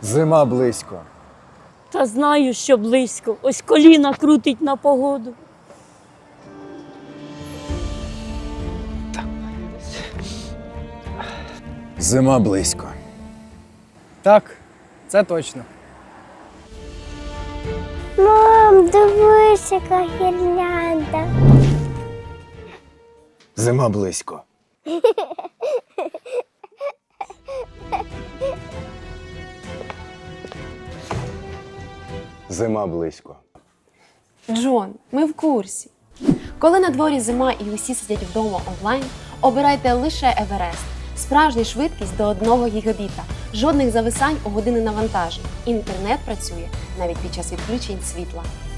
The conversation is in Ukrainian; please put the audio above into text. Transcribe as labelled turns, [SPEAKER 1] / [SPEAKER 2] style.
[SPEAKER 1] Зима близько.
[SPEAKER 2] Та знаю, що близько. Ось коліна крутить на погоду.
[SPEAKER 1] Зима близько.
[SPEAKER 3] Так, це точно.
[SPEAKER 4] Мам, дивись, яка гірлянда.
[SPEAKER 1] Зима близько. Зима близько.
[SPEAKER 5] Джон, ми в курсі. Коли на дворі зима і усі сидять вдома онлайн, обирайте лише Еверест. Справжня швидкість до 1 гігабіта, жодних зависань у години навантажень. Інтернет працює навіть під час відключень світла.